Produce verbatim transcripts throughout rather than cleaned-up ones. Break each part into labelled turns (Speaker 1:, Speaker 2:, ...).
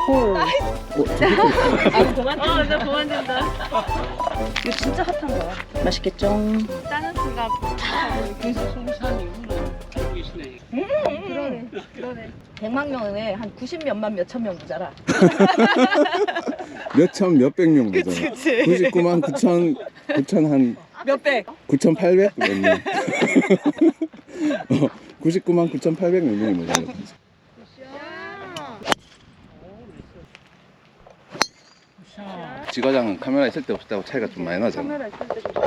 Speaker 1: 콜.
Speaker 2: 어,
Speaker 3: 아, 그만.
Speaker 2: 어, 나 그만 준다.
Speaker 3: 이거 진짜 핫한 거야. 맛있겠죠?
Speaker 2: 짜는 순간
Speaker 1: 그래서 송산 이후로 알고 계시네.
Speaker 2: 그러네. 그러네.
Speaker 3: 백만 명에 한 구십 몇만 몇천 명 모자라.
Speaker 4: 몇천 몇백 명 되잖아.
Speaker 3: 그치, 그치.
Speaker 4: 구십구만 구천 구천 한
Speaker 3: 몇백.
Speaker 4: 구천팔백 몇 명. 어, 구십구만 구천팔백 몇 명이 모자라.
Speaker 1: 샷.
Speaker 4: 지과장 카메라 있을 때 없을 때하고 차이가 좀 많이 나잖아.
Speaker 2: 카메라 있을 때 좀.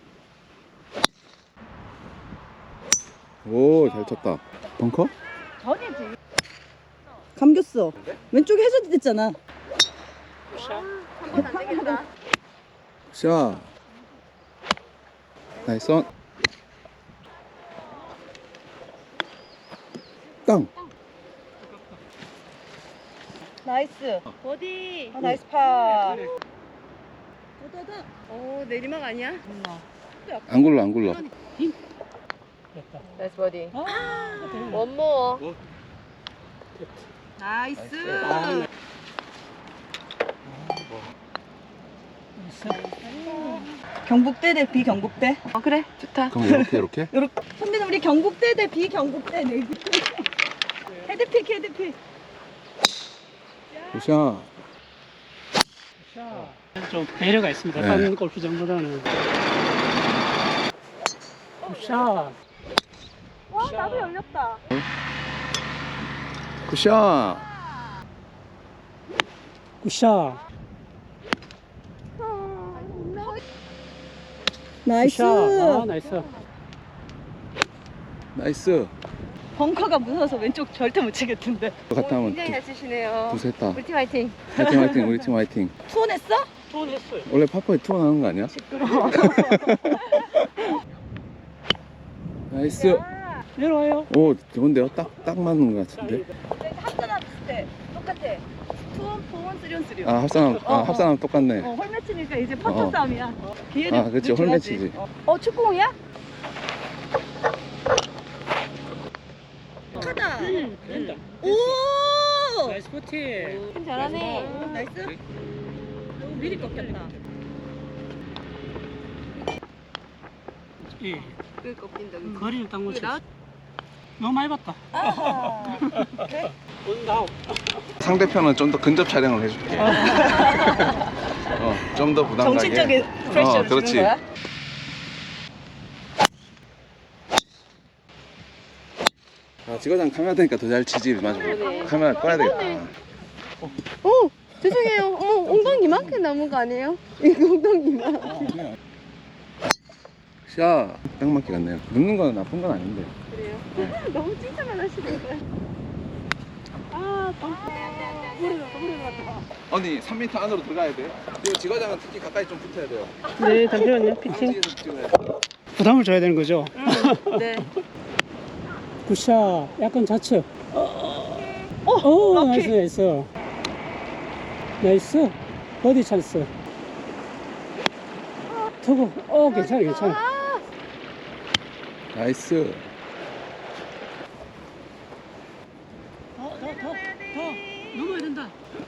Speaker 4: 오, 잘 쳤다. 벙커?
Speaker 2: 전이지.
Speaker 3: 감겼어. 왼쪽에 해저드 됐잖아.
Speaker 1: 샷.
Speaker 2: 한번 안 되겠다.
Speaker 4: 샷. 나이스 온. 땅.
Speaker 3: 나이스.
Speaker 2: 어디?
Speaker 3: 아, 나이스 파.
Speaker 2: 어, 내리막 아니야?
Speaker 4: 안 굴러 안 굴러.
Speaker 1: 됐다.
Speaker 2: 나이스 버디.
Speaker 1: 아,
Speaker 2: 원모.
Speaker 3: 나이스.
Speaker 1: 아,
Speaker 3: 경북대 대 비경북대.
Speaker 2: 어, 그래. 좋다.
Speaker 4: 그럼 이렇게 이렇게?
Speaker 3: 이렇게. 선배님 우리 경북대 대 비경북대 내기. 헤드픽 헤드픽.
Speaker 4: 굿샷.
Speaker 1: 샷. 좀 배려가 있습니다.
Speaker 4: 네.
Speaker 1: 다른 골프장보다는. 샷.
Speaker 2: 와, 나도 열렸다.
Speaker 4: 굿샷.
Speaker 1: 굿샷.
Speaker 3: 나이스.
Speaker 1: 굿샷. 아, 나이스.
Speaker 4: 나이스.
Speaker 3: 벙커가 무서워서 왼쪽 절대 못 치겠던데.
Speaker 4: 갔다 하면
Speaker 2: 굉장히 잘 치시네요.
Speaker 4: 두세 했다.
Speaker 2: 우리 팀 화이팅.
Speaker 4: 화이팅 화이팅 우리 팀 화이팅.
Speaker 3: 투혼했어?
Speaker 1: 투혼했어요.
Speaker 4: 원래 파파에 투어 나는 거 아니야? 나이스.
Speaker 1: 내려와요.
Speaker 4: 오 좋은데요? 딱 딱 맞는 것 같은데.
Speaker 3: 합산함 비슷해. 똑같아. 투혼, 포혼, 쓰리온, 쓰리온.
Speaker 4: 아 합산하면
Speaker 3: 어,
Speaker 4: 아
Speaker 3: 어.
Speaker 4: 합산하면 똑같네.
Speaker 3: 어, 홀매치니까 이제 퍼터
Speaker 4: 어.
Speaker 3: 싸움이야. 기회를
Speaker 4: 아 그렇지
Speaker 3: 늦춰야지.
Speaker 4: 홀매치지.
Speaker 3: 어, 축구공이야? 하다.
Speaker 1: 응, 된다.
Speaker 3: 오!
Speaker 1: 나이스 포티.
Speaker 2: 팀 잘하네.
Speaker 3: 오, 나이스. 너무 미리 꺾였다.
Speaker 1: 예.
Speaker 2: 그 꺾인다. 그치?
Speaker 1: 거리를 딱 못
Speaker 2: 이게 나
Speaker 1: 쳤어. 너무 많이 봤다.
Speaker 3: 아.
Speaker 1: 온다운.
Speaker 4: 상대편은 좀 더 근접 촬영을 해줄게. 어, 좀 더 부담 가게.
Speaker 3: 정신적인 프레셔를
Speaker 4: 어, 그렇지.
Speaker 3: 주는 거야?
Speaker 4: 아, 지과장 카메라 되니까 더 잘 치지. 맞아.
Speaker 2: 그러네.
Speaker 4: 카메라 꺼야 되겠다.
Speaker 2: 오, 죄송해요. 어머, 엉덩이 이만큼 남은 거 아니에요? 이거 엉덩이 이만큼.
Speaker 4: 샷. 딱 맞게 갔네요. 눕는 건 나쁜 건 아닌데.
Speaker 2: 그래요? 너무 칭찬만 하시는 거야. 아, 머리 나갔다, 머리 나갔다.
Speaker 4: 아니 삼 미터 안으로 들어가야 돼. 그리고 지과장은 특히 가까이 좀 붙어야 돼요.
Speaker 1: 네, 잠시만요. 피칭.
Speaker 4: 뒤에서 찍어야 돼.
Speaker 1: 부담을 줘야 되는 거죠.
Speaker 2: 네.
Speaker 1: 굿샷. 약간 좌측.
Speaker 3: 오,
Speaker 1: 오,
Speaker 3: 럭키.
Speaker 1: 나이스, 나이스. 나이스. 버디 찬스. 투구. 어, 괜찮아, 괜찮아.
Speaker 4: 나이스.
Speaker 1: 더, 더, 더, 더. 넘어야 된다.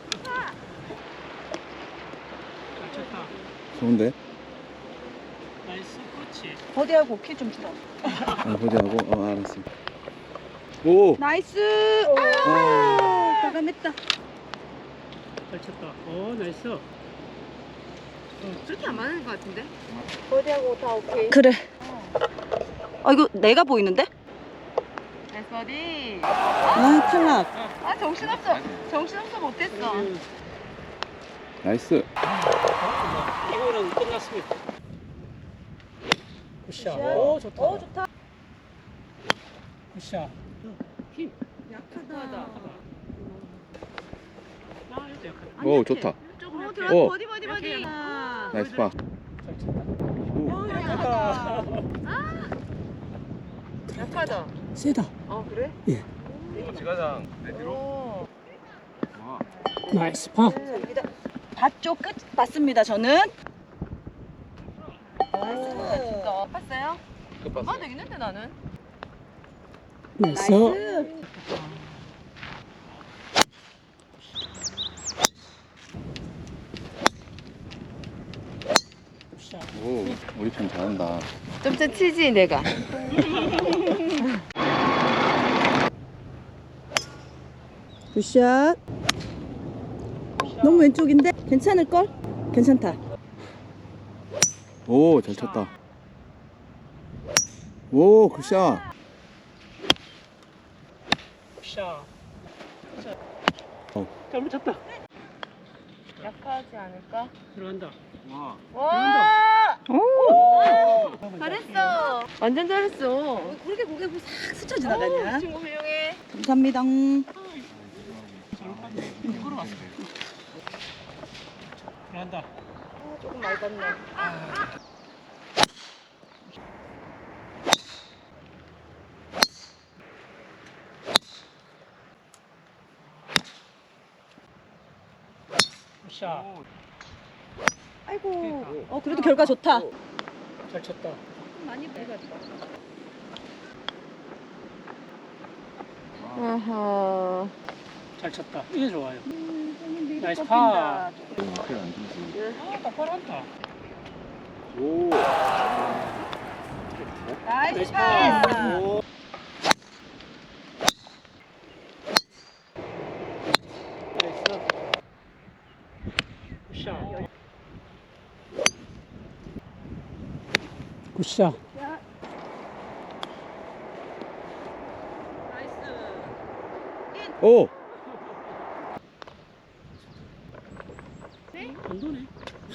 Speaker 1: 잘 쳤다.
Speaker 4: 좋은데?
Speaker 1: 나이스, 그렇지.
Speaker 3: 버디하고 키 좀 줄어.
Speaker 4: 아 보자고. 어 알았어. 오.
Speaker 3: 나이스.
Speaker 4: 아.
Speaker 3: 아, 과감했다.
Speaker 1: 잘 쳤다. 오, 나이스.
Speaker 2: 그렇게 안 맞는 거 같은데? 버디하고 다 오케이.
Speaker 3: 그래. 아, 이거 내가 보이는데?
Speaker 2: 나이스 버디.
Speaker 3: 아, 탈락.
Speaker 2: 아, 정신없어. 정신없어 못했어.
Speaker 4: 나이스.
Speaker 1: 이거는 끝났습니다. 굿샷. 오, 좋다.
Speaker 3: 오, 좋다.
Speaker 1: 굿샷. 힘.
Speaker 3: 약하다.
Speaker 1: 아, 이것도 약하다.
Speaker 4: 오 좋다.
Speaker 2: 어, 들어왔어.
Speaker 4: 오.
Speaker 2: 버디, 버디, 버디.
Speaker 3: 아,
Speaker 4: 나이스 파.
Speaker 1: 잘 쳤다.
Speaker 4: 오.
Speaker 2: 약하다. 약하다.
Speaker 1: 세다.
Speaker 2: 어, 그래?
Speaker 1: 예.
Speaker 4: 지과장 내
Speaker 2: 오.
Speaker 4: 와.
Speaker 1: 나이스 파.
Speaker 3: 밭쪽 끝 봤습니다, 저는.
Speaker 2: 진짜. 봤어요?
Speaker 4: 끝봤어.
Speaker 2: 아, 되겠는데 나는?
Speaker 1: 나이스.
Speaker 3: 나이스.
Speaker 4: 잘한다.
Speaker 1: 좀 더 치지 내가.
Speaker 3: 굿샷. 너무 왼쪽인데? 괜찮을걸? 괜찮다.
Speaker 4: 오, 잘 쳤다. 오, 굿샷.
Speaker 2: 샤.
Speaker 4: 어.
Speaker 2: 잘못 쳤다.
Speaker 1: 약하지 않을까?
Speaker 2: 들어간다.
Speaker 4: 와.
Speaker 1: 와!
Speaker 3: 오!
Speaker 1: 잘했어. 완전 잘했어.
Speaker 3: 그렇게 고개 보고 싹 스쳐 지나가냐?
Speaker 1: 친구 훌륭해.
Speaker 3: 감사합니다.
Speaker 2: 걸어갔어. 들어간다.
Speaker 1: 조금 많이 봤네.
Speaker 2: 샤.
Speaker 3: 아이고. 어, 그래도 결과 좋다.
Speaker 2: 잘 쳤다.
Speaker 3: 많이 배갔다.
Speaker 1: 아하.
Speaker 2: 잘 쳤다. 이게 좋아요. 나이스
Speaker 3: 꺾인다.
Speaker 2: 파.
Speaker 4: 그래, 안 되지.
Speaker 2: 아, 똑바로 한다.
Speaker 4: 오.
Speaker 3: 나이스
Speaker 2: 나이스
Speaker 3: 파.
Speaker 2: 파. 오. 나이스. 굿샷. 굿샷.
Speaker 4: 오.
Speaker 2: 안 도네.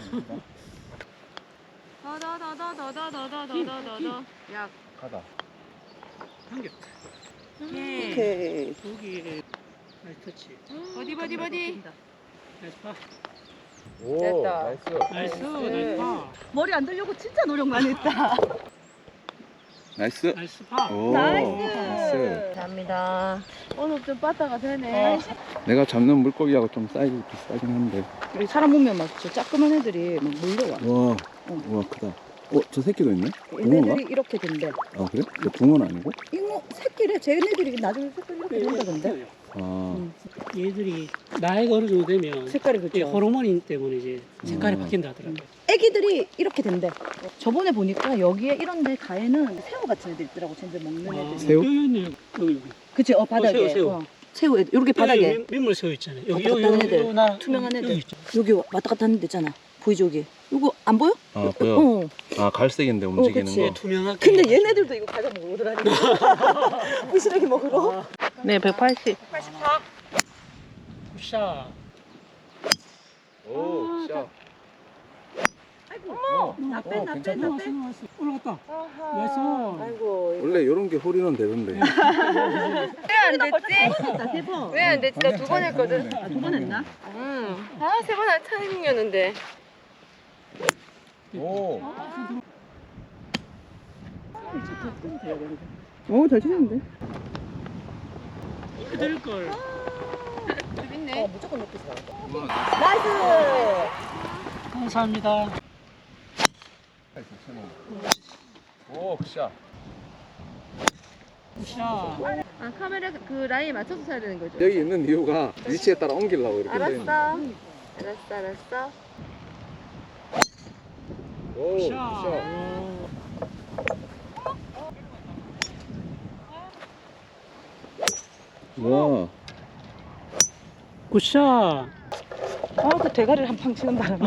Speaker 1: 더더더더더더더더더더. 야.
Speaker 4: 가다.
Speaker 2: 한 개.
Speaker 1: 오케이.
Speaker 3: 오케이.
Speaker 2: 여기 나이스 터치.
Speaker 1: 버디 버디 버디.
Speaker 2: 나이스 파.
Speaker 4: 오,
Speaker 1: 됐다.
Speaker 4: 나이스.
Speaker 2: 나이스. 나이스 파.
Speaker 3: 머리 안 들려고 진짜 노력 많이 했다.
Speaker 4: 나이스.
Speaker 2: 나이스 파.
Speaker 4: 오,
Speaker 3: 나이스.
Speaker 1: 감사합니다. 오늘 좀 빠따가 되네.
Speaker 2: 어.
Speaker 4: 내가 잡는 물고기하고 좀 사이즈 비슷하긴 한데.
Speaker 3: 우리 사람 보면 막 저 작그만 애들이 막 몰려와.
Speaker 4: 와, 와 크다. 어, 저 새끼도 있네? 붕어인가?
Speaker 3: 얘네들이 이렇게 된대.
Speaker 4: 아, 그래? 저 붕어는 아니고?
Speaker 3: 이거 새끼래. 쟤네들이 나중에 색깔 이렇게 된다던데.
Speaker 4: 아,
Speaker 2: 얘들이 나이가 어느 정도 되면
Speaker 3: 색깔이
Speaker 2: 이
Speaker 3: 그렇죠.
Speaker 2: 호르몬 때문에 이제 색깔이
Speaker 4: 음.
Speaker 2: 바뀐다 하더라고요.
Speaker 3: 애기들이 이렇게 된대. 저번에 보니까 여기에 이런데 가에는 새우 같은 애들 있더라고. 쟤들 먹는 애들.
Speaker 4: 새우?
Speaker 2: 여기 있네. 여기 여기.
Speaker 3: 그치? 어 바닥에.
Speaker 2: 새우, 새우.
Speaker 3: 어. 새우 애들. 이렇게 바닥에.
Speaker 2: 여기 민물 새우 있잖아요. 여기
Speaker 3: 왔다
Speaker 2: 여기
Speaker 3: 갔다 하는
Speaker 2: 여기
Speaker 3: 애들.
Speaker 2: 여기 나
Speaker 3: 투명한 애들.
Speaker 2: 여기 있죠.
Speaker 3: 여기 왔다 갔다 하는 데 있잖아. 보이죠 여기? 이거 안 보여?
Speaker 4: 아, 보여.
Speaker 3: 어.
Speaker 4: 아, 갈색인데 움직이는
Speaker 3: 그치.
Speaker 4: 거.
Speaker 2: 투명하게.
Speaker 3: 근데 얘네들도 이거 과자 먹으러 오더라니까. 부스러기 먹으러.
Speaker 1: 네, 백팔십.
Speaker 2: 굿샷.
Speaker 4: 오, 샷.
Speaker 3: 아이고.
Speaker 4: 어,
Speaker 3: 나 빼,
Speaker 4: 어,
Speaker 3: 나 빼,
Speaker 4: 괜찮다.
Speaker 3: 나 빼.
Speaker 2: 나왔어. 올라갔다.
Speaker 1: 아하.
Speaker 2: 나이스.
Speaker 1: 아이고.
Speaker 4: 원래 이런 게 홀이는 되던데.
Speaker 1: 왜 안 됐지?
Speaker 3: 됐다, 세 번.
Speaker 1: 왜 안 됐지? 나 두 번 했거든.
Speaker 3: 아, 두 번 했나?
Speaker 1: 응. 아, 세 번 할 타이밍이었는데.
Speaker 4: 오.
Speaker 3: 오, 잘 치는데.
Speaker 2: 이렇게 될 걸.
Speaker 1: 재밌네.
Speaker 3: 어, 무조건 높이 서 나이스!
Speaker 2: 감사합니다.
Speaker 4: 오, 샷.
Speaker 2: 굿샷.
Speaker 1: 아, 카메라 그 라인 맞춰서 사야 되는 거죠?
Speaker 4: 여기 있는 이유가 위치에 따라 옮기려고 이렇게 돼 있는.
Speaker 1: 알았어. 알았어, 알았어.
Speaker 4: 오,
Speaker 2: 굿샷.
Speaker 4: 샷. 와.
Speaker 2: 굿샷.
Speaker 3: 아, 그 대가리를 한 방 치는 바람에.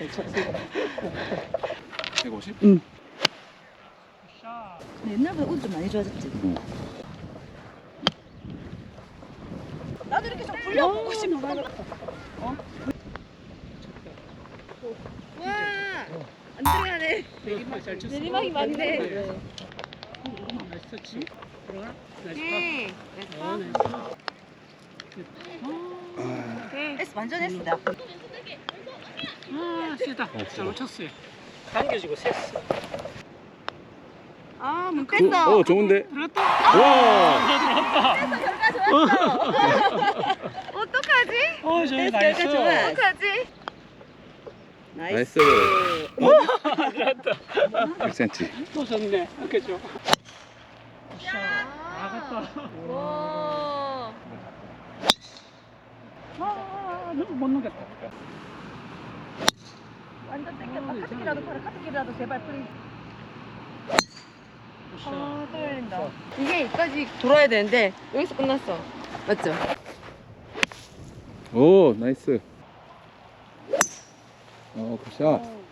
Speaker 4: 백오십?
Speaker 3: 응.
Speaker 2: 굿샷.
Speaker 3: 옛날보다 옷 좀 많이 좋아졌지.
Speaker 4: 응.
Speaker 3: 나도 이렇게 좀 굴려보고 싶어.
Speaker 1: 와! 안 들어가네.
Speaker 2: 내리막 잘 쳤어.
Speaker 1: 내리막이 많네.
Speaker 2: 나이스 터치. 들어가. 나이스
Speaker 1: 오케이.
Speaker 2: 파. 어,
Speaker 1: 됐어?
Speaker 2: 나이스.
Speaker 1: 오케이.
Speaker 3: S 완전 S다.
Speaker 2: 아, 세다.
Speaker 4: 어, 세다.
Speaker 2: 잘못 쳤어요. 당겨지고 셌어.
Speaker 1: 아, 문
Speaker 4: 오,
Speaker 1: 뺐어.
Speaker 4: 어, 좋은데?
Speaker 2: 들어갔다.
Speaker 4: 와.
Speaker 1: 어떡하지?
Speaker 2: 어, 저기
Speaker 3: 됐어,
Speaker 2: 나이스.
Speaker 3: 여기까지 좋아.
Speaker 1: 어떡하지?
Speaker 4: 나이스.
Speaker 2: 들어갔다.
Speaker 4: 백 센티미터.
Speaker 2: 또 좋네. 이렇게 줘. 굿샷. 나갔다.
Speaker 1: 와.
Speaker 2: 아, 너무 못 넘겼다.
Speaker 3: 완전 땡겼다. 카트기라도 팔아. 카트기라도 제발 프리.
Speaker 2: 아, 또 열린다. 이게 여기까지 돌아야 되는데 여기서 끝났어. 맞죠?
Speaker 4: 오, 나이스. 어, 굿샷.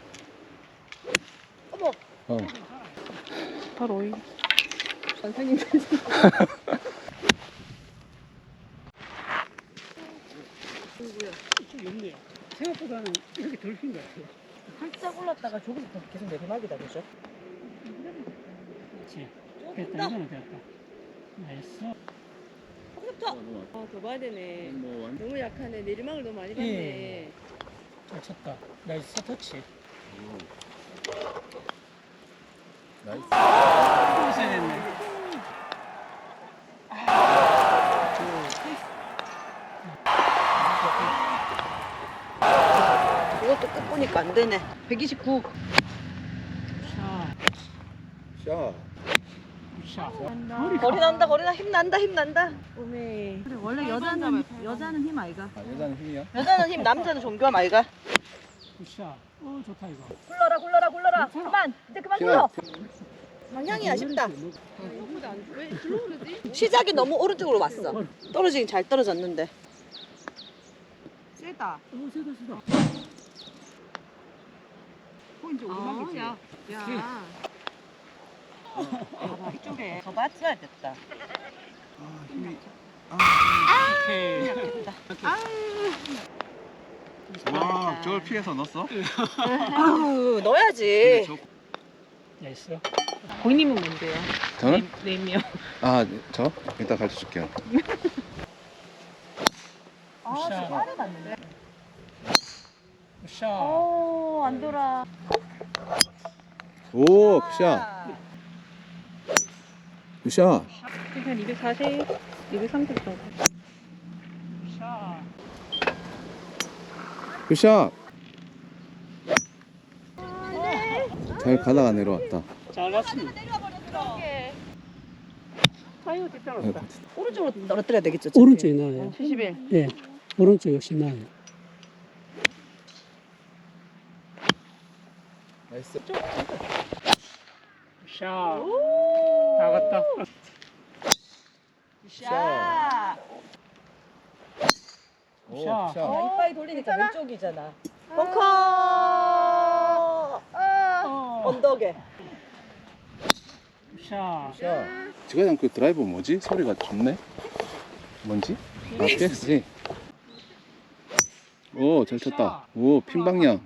Speaker 3: 어머.
Speaker 4: 어.
Speaker 2: 바로 이.
Speaker 3: 선생님.
Speaker 1: 좀 없네요. 생각보다는 이렇게 덜 핀 것 같아요.
Speaker 3: 살짝 올랐다가 저기서 계속 내리막이다, 그죠?
Speaker 1: 그렇지. 됐다. 이거는 됐다. 나이스.
Speaker 3: 좋다.
Speaker 2: 아, 더 봐야 되네.
Speaker 4: 뭐 완.
Speaker 2: 너무 약하네. 내리막을 너무 많이
Speaker 1: 예.
Speaker 2: 봤네.
Speaker 1: 잘 쳤다. 나이스 터치.
Speaker 4: 나이스.
Speaker 1: 있어야 됐네.
Speaker 3: 이것도 끝 보니까 안 되네. 백이십구.
Speaker 1: 샤.
Speaker 4: 샷.
Speaker 1: 샤.
Speaker 2: 간다.
Speaker 3: 거리 난다, 거리 나. 힘 난다, 힘 난다.
Speaker 2: 오메.
Speaker 3: 그래, 원래 여자는, 여자는 힘 아이가.
Speaker 4: 아, 여자는 힘이야?
Speaker 3: 여자는 힘, 남자는 존경함 아이가.
Speaker 1: 샤. 어, 좋다 이거.
Speaker 3: 굴러라, 굴러라, 굴러라. 그만. 이제 그만 굴러. 방향이 아쉽다.
Speaker 2: 생각보다 안, 왜 글로 그러지?
Speaker 3: 시작이 너무 오른쪽으로 왔어. 떨어지긴 잘 떨어졌는데. 세다.
Speaker 1: 어, 세다 세다.
Speaker 3: 어, 이제
Speaker 2: 아,
Speaker 3: 오르막이지.
Speaker 2: 야. 야.
Speaker 3: 아, 이쪽에 더 맞춰야 됐다.
Speaker 4: 아, 힘이.
Speaker 1: 오케이.
Speaker 4: 와, 저걸 피해서 넣었어?
Speaker 3: 아우, 넣어야지.
Speaker 4: 저...
Speaker 1: 나이스.
Speaker 2: 고객님은 뭔데요?
Speaker 4: 저는?
Speaker 2: 네임이요.
Speaker 4: 아, 저? 이따 가르쳐 줄게요.
Speaker 3: 아, 저 빠르 맞는데.
Speaker 1: 샤.
Speaker 3: 오, 안 돌아.
Speaker 4: 오, 굿샷. 굿샷.
Speaker 2: 한 이백사십, 이백삼십 정도.
Speaker 1: 샤.
Speaker 4: 굿샷. 잘 가다가 내려왔다.
Speaker 1: 잘 갔습니다.
Speaker 2: 타이어 뒷땅
Speaker 3: 오른쪽으로 떨어뜨려야 되겠죠?
Speaker 1: 오른쪽이 나아요.
Speaker 2: 칠십일.
Speaker 1: 예. 오른쪽 역시 나아요.
Speaker 4: 나이스.
Speaker 1: 샤. 다 갔다.
Speaker 3: 샤.
Speaker 4: 오,
Speaker 1: 샷.
Speaker 4: 굿샷.
Speaker 3: 아, 이빨 돌리니까 왼쪽이잖아. 벙커.
Speaker 1: 어.
Speaker 3: 언덕에.
Speaker 1: 샤.
Speaker 4: 샷. 지가장 그 드라이버 뭐지? 소리가 좋네. 뭔지? 아, 피에스지. 오, 잘 쳤다. 오, 핀 방향.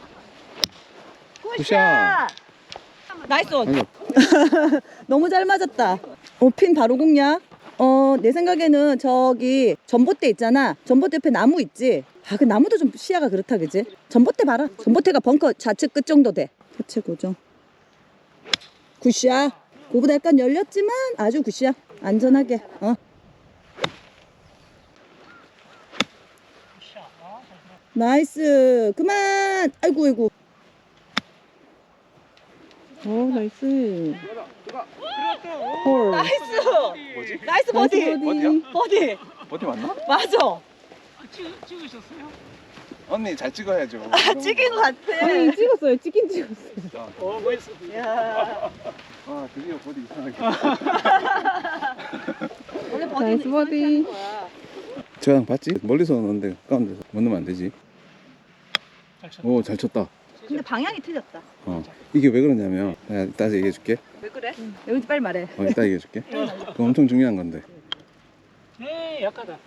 Speaker 4: 굿샷.
Speaker 3: 나이스 원.
Speaker 4: 아니,
Speaker 3: 너무 잘 맞았다. 어, 핀 바로 공략. 어, 내 생각에는 저기 전봇대 있잖아. 전봇대 옆에 나무 있지. 아, 그 나무도 좀 시야가 그렇다, 그지? 전봇대 봐라. 전봇대가 벙커 좌측 끝 정도 돼. 교체 고정. 굿샷. 그거보다 약간 열렸지만 아주 굿샷. 안전하게. 어.
Speaker 1: 샤. 아, 잘 들어.
Speaker 3: 나이스. 그만. 아이고, 아이고.
Speaker 2: 오, 나이스.
Speaker 3: 홀. 나이스.
Speaker 4: 뭐지?
Speaker 3: 나이스 버디.
Speaker 4: 어디야?
Speaker 3: 버디.
Speaker 4: 어디 맞나?
Speaker 3: 맞아.
Speaker 1: 아, 찍, 찍으셨어요?
Speaker 4: 언니 잘 찍어야죠.
Speaker 3: 아, 찍인 것 같아.
Speaker 2: 아니, 찍었어요. 찍긴 찍었어요.
Speaker 1: 어, 멋있어.
Speaker 3: 야.
Speaker 4: 아, 드디어 버디 이상하게.
Speaker 3: 원래
Speaker 2: 나이스
Speaker 3: 버디는
Speaker 2: 버디.
Speaker 3: 이렇게 하는 거야.
Speaker 4: 저랑 봤지? 멀리서 넣는데 가까운 데서 못 넣으면 안 되지.
Speaker 1: 잘 쳤다.
Speaker 4: 오, 잘 쳤다.
Speaker 3: 근데 방향이 틀렸다.
Speaker 4: 어. 이게 왜 그러냐면, 내가 이따 얘기해 줄게.
Speaker 3: 왜 그래? 여기 빨리 말해.
Speaker 4: 어, 이따 얘기해 줄게. 그거 엄청 중요한 건데.
Speaker 1: 에 약하다.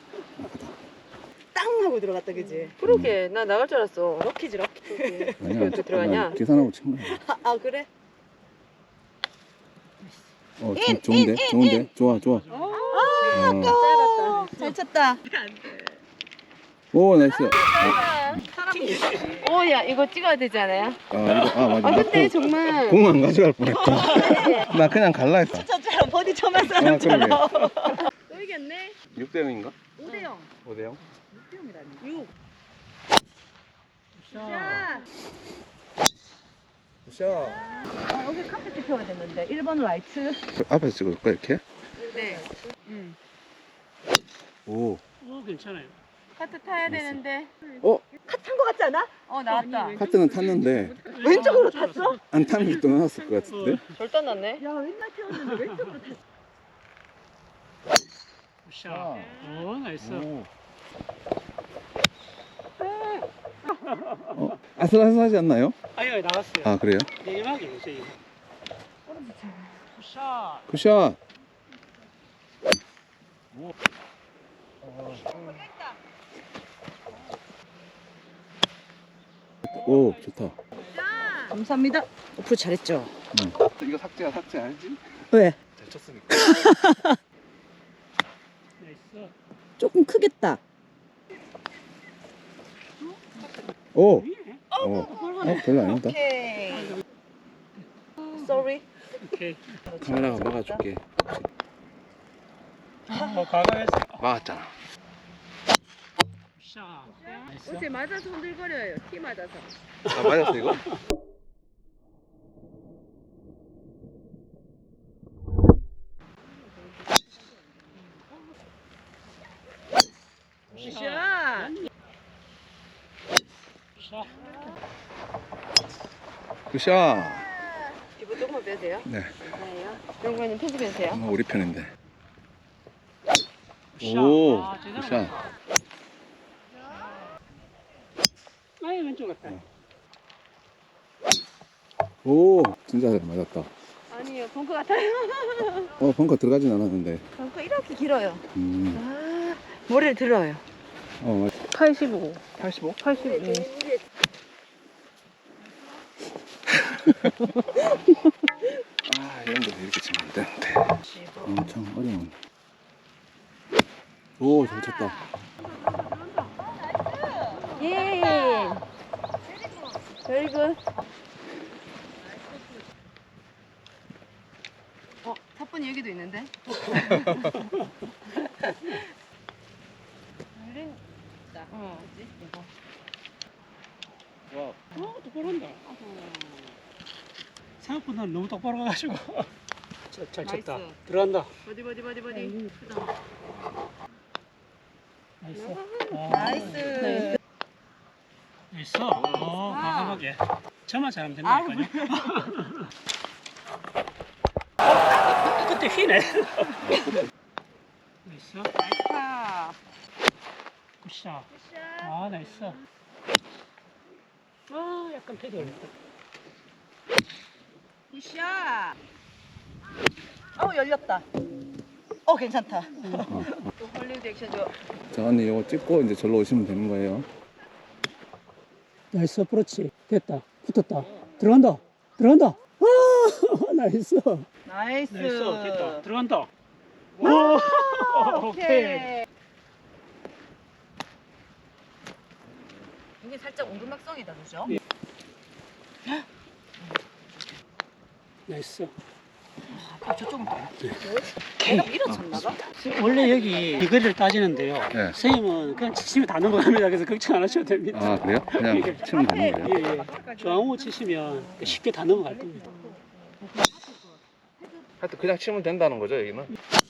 Speaker 3: 땅 하고 들어갔다, 그지?
Speaker 2: 그러게. 나 나갈 줄 알았어.
Speaker 3: 럭키지, 럭키.
Speaker 4: 아니야.
Speaker 2: 어떻게 들어가냐?
Speaker 4: 난 계산하고 친 거야.
Speaker 3: 아, 아, 그래?
Speaker 4: 어, 좀 좋은데? 좋은데? 좋아, 좋아. 어.
Speaker 3: 짧았다. 잘 쳤다.
Speaker 4: 오, 나이스. 어,
Speaker 2: 오, 야, 이거 찍어야 되지 않아요?
Speaker 4: 아, 이거, 아, 맞아.
Speaker 2: 아,
Speaker 4: 나
Speaker 2: 근데
Speaker 4: 공-
Speaker 2: 정말.
Speaker 4: 공 안 가져갈 뻔했다. 나 그냥 갈라 했다.
Speaker 3: 저처럼 버디 처음 한
Speaker 4: 아,
Speaker 3: 사람처럼.
Speaker 2: 또 이겼네?
Speaker 4: 육 대 영인가?
Speaker 3: 오 대 영.
Speaker 4: 오 대 영?
Speaker 3: 육 대 영이라니. 육.
Speaker 1: 샤.
Speaker 4: 샷.
Speaker 3: 아, 여기 카페트 펴야 됐는데. 일 번 라이트.
Speaker 4: 앞에서 찍어줄까, 이렇게?
Speaker 2: 네.
Speaker 3: 응.
Speaker 4: 오.
Speaker 1: 어, 괜찮아요.
Speaker 2: 카트 타야 되는데.
Speaker 4: 어?
Speaker 3: 탄 거 같지 않아?
Speaker 2: 어, 나왔다.
Speaker 4: 카트는 탔는데
Speaker 3: 왼쪽으로 탔어?
Speaker 4: 안 타는 게 또 나왔을 것 같은데?
Speaker 2: 절단 났네.
Speaker 3: 야, 왼날 태웠는데 왼쪽으로 탔어.
Speaker 1: 샷. 오, 나이스.
Speaker 4: 오. 어, 아슬아슬하지 않나요?
Speaker 1: 아유, 나갔어요.
Speaker 4: 아 그래요?
Speaker 1: 내리막이죠, 이거. 샷.
Speaker 4: 굿샷. 오 좋다.
Speaker 3: 감사합니다. 어플 잘했죠?
Speaker 4: 응. 이거 삭제야 삭제 알지?
Speaker 3: 왜?
Speaker 4: 잘 쳤으니까.
Speaker 1: 나이스.
Speaker 3: 조금 크겠다.
Speaker 4: 오.
Speaker 1: 위에?
Speaker 4: 어. 어 별로 아니다.
Speaker 3: 오케이. Sorry.
Speaker 1: 오케이.
Speaker 4: 카메라가 막아줄게.
Speaker 1: 뭐, 과감해서.
Speaker 4: 막았잖아.
Speaker 1: 샷. 나이스.
Speaker 2: 어제 맞아서 흔들거려요. 티 맞아서.
Speaker 4: 아 맞았어 이거?
Speaker 2: 샷.
Speaker 1: 샷.
Speaker 4: 굿샷.
Speaker 2: 이거 조금만 빼도 돼요?
Speaker 4: 네.
Speaker 2: 네요. 영관님 편집해도 돼요?
Speaker 4: 어, 우리 편인데.
Speaker 1: 샷.
Speaker 4: 오.
Speaker 1: 아, 제대로
Speaker 4: 굿샷.
Speaker 1: 맞았다. 아이, 왼쪽 같다.
Speaker 4: 오 진짜 잘 맞았다.
Speaker 2: 아니요, 벙커 같아요.
Speaker 4: 어 벙커 들어가진 않았는데.
Speaker 2: 벙커 이렇게 길어요.
Speaker 4: 음.
Speaker 2: 아, 머리를 들어요.
Speaker 4: 어 맞.
Speaker 2: 팔십오.
Speaker 4: 팔십오?
Speaker 2: 팔십오. 응.
Speaker 4: 아 이런 데서 이렇게 치면 안 되는데. 엄청 어려운. 오 잘 쳤다.
Speaker 2: 예. Very good. 어, 탑분이 여기도 있는데? 어.
Speaker 4: 와.
Speaker 1: 어, 똑바로 한다. 생각보다 너무 똑바로 가가지고. 잘, 잘 쳤다.
Speaker 2: 나이스.
Speaker 1: 들어간다.
Speaker 2: 버디 버디 버디 버디.
Speaker 1: 나이스. 어,
Speaker 2: 나이스.
Speaker 1: 나이스. 어, 과감하게. 저만 잘하면 된다니까요. 그때 휘네. 나이스.
Speaker 2: 나이스 파.
Speaker 1: 굿샷. 아, 나이스. 아, 약간 패드 올렸다.
Speaker 2: 굿샷.
Speaker 3: 어, 열렸다. 어, 괜찮다.
Speaker 2: 또 헐리우드 액션 줘.
Speaker 4: 자 언니 이거 찍고 이제 절로 오시면 되는 거예요.
Speaker 1: 나이스, 그렇지. 됐다. 붙었다. 들어간다. 들어간다. 아, 나이스.
Speaker 3: 나이스.
Speaker 1: 나이스. 됐다. 들어간다. 오, 오케이.
Speaker 2: 이게 살짝 오르막성이다, 그죠?
Speaker 1: 예. 나이스.
Speaker 2: 아, 저쪽은 또. 내가 밀어쳤나봐?
Speaker 1: 원래 여기 이 거리를 따지는데요.
Speaker 4: 네.
Speaker 1: 선생님은 그냥 치시면 다 넘어갑니다. 그래서 걱정 안 하셔도 됩니다.
Speaker 4: 아 그래요? 그냥
Speaker 1: 이게-
Speaker 4: 치면 되는 거예요?
Speaker 1: 예, 예. 중앙호 치시면 쉽게 다 넘어갈 겁니다.
Speaker 4: 하여튼 그냥 치면 된다는 거죠 여기는?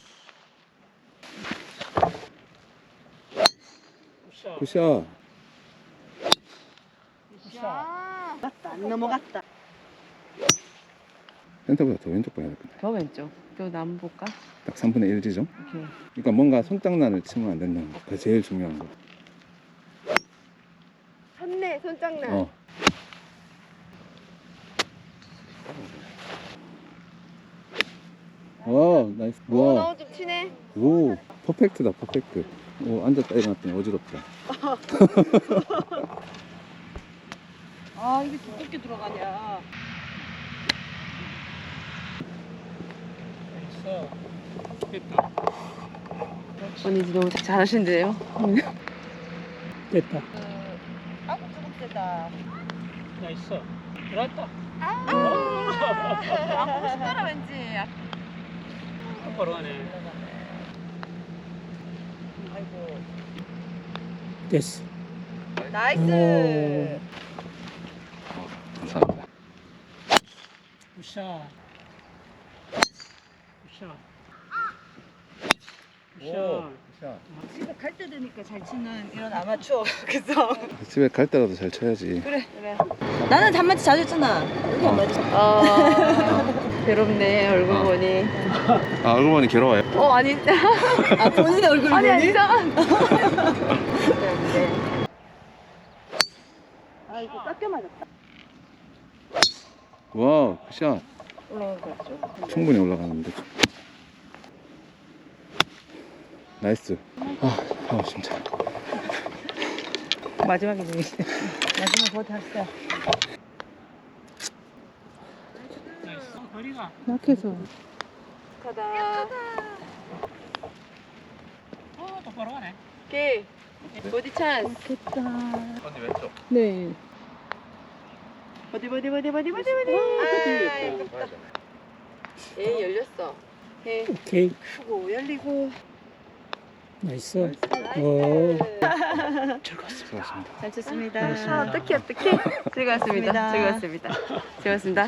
Speaker 4: 굿샷.
Speaker 2: 야.
Speaker 3: 안 넘어갔다.
Speaker 4: 센터보다 더 왼쪽 봐야 되겠네.
Speaker 2: 더 왼쪽. 또 나무 볼까?
Speaker 4: 딱 삼분의 일 지점?
Speaker 2: 오케이.
Speaker 4: 그러니까 뭔가 손장난을 치면 안 된다는 거. 그게 제일 중요한 거.
Speaker 2: 샀네, 손장난.
Speaker 4: 어. 와 나이스.
Speaker 2: 오,
Speaker 4: 와.
Speaker 2: 너무 좀 치네.
Speaker 4: 오 퍼펙트다 퍼펙트. 오 앉았다 일어났더니 어지럽다.
Speaker 2: 아, 이게 두껍게 들어가냐.
Speaker 1: 됐다.
Speaker 2: 언니 너무 잘하신대요.
Speaker 1: 됐다.
Speaker 3: 아우, 조금 세다.
Speaker 1: 나이스. 들어왔다.
Speaker 2: 안 보고 싶더라, 왠지.
Speaker 1: 똑바로 가네.
Speaker 3: 아이고.
Speaker 1: 됐어.
Speaker 3: 나이스.
Speaker 4: 감사합니다.
Speaker 1: 굿샷. 굿샷.
Speaker 4: 오
Speaker 1: 굿샷.
Speaker 4: 굿샷.
Speaker 3: 집에 갈 때도 되니까 잘 치는 이런 아마추어 그래서
Speaker 4: 집에 갈 때라도 잘 쳐야지.
Speaker 3: 그래 그래. 나는 단마치 자주 쳤잖아. 여기 안 맞지?
Speaker 2: 어, 괴롭네, 얼굴
Speaker 3: 어.
Speaker 2: 보니.
Speaker 4: 아 얼굴 보니 괴로워요?
Speaker 2: 어, 아니.
Speaker 3: 아 본인의 얼굴
Speaker 2: 아니,
Speaker 3: 보니?
Speaker 2: 진짜.
Speaker 3: 아이고 깎여 맞았다.
Speaker 4: 와 굿샷.
Speaker 3: 올라간 거 같죠?
Speaker 4: 충분히 올라가는데. 나이스. 아, 아 진짜.
Speaker 3: 마지막에 중이시. 마지막 버디 했어.
Speaker 1: 약해서.
Speaker 2: 가다.
Speaker 1: 어, 똑바로 가네.
Speaker 2: 오케이. 보디 찬스.
Speaker 3: 좋겠다.
Speaker 4: 언니 왼쪽.
Speaker 3: 네.
Speaker 2: 버디, 버디, 버디, 버디, 버디, 버디. 아, 에이, 열렸어. 에이,
Speaker 1: 오케이.
Speaker 2: 크고, 열리고.
Speaker 1: 나이스. 오.
Speaker 4: 수고하셨습니다.
Speaker 3: 잘 쳤습니다.
Speaker 2: 아, 어떡해, 어떡해. 즐거웠습니다. 즐거웠습니다. 즐거웠습니다.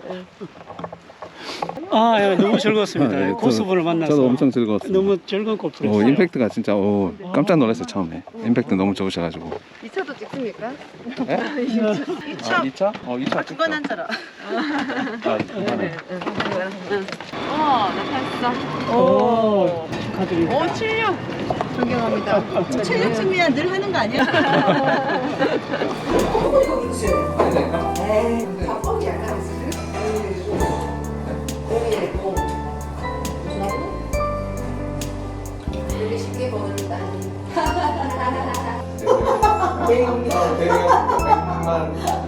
Speaker 1: 아, 예, 너무 즐거웠습니다.
Speaker 4: 아, 네, 저도-
Speaker 1: 고수분을 만나서.
Speaker 4: 저도 엄청 즐거웠습니다.
Speaker 1: 너무 즐거운
Speaker 4: 오,
Speaker 1: 골프였어요.
Speaker 4: 임팩트가 진짜 오, 깜짝 놀랐어요 처음에. 임팩트 너무 좋으셔가지고.
Speaker 2: 이 차도 찍습니까?
Speaker 4: 네? 아, 이 차? 어, 이 차.
Speaker 3: 두건 한처럼.
Speaker 4: 아, 이거는.
Speaker 2: 어, 나타났어.
Speaker 1: 오, 축하드립니다.
Speaker 2: 오, 칠육. 존경합니다.
Speaker 3: 체력 준비야 늘 하는 거 아니야?
Speaker 2: 되게 쉽게 버는다.
Speaker 4: 대형, 대형, 백만.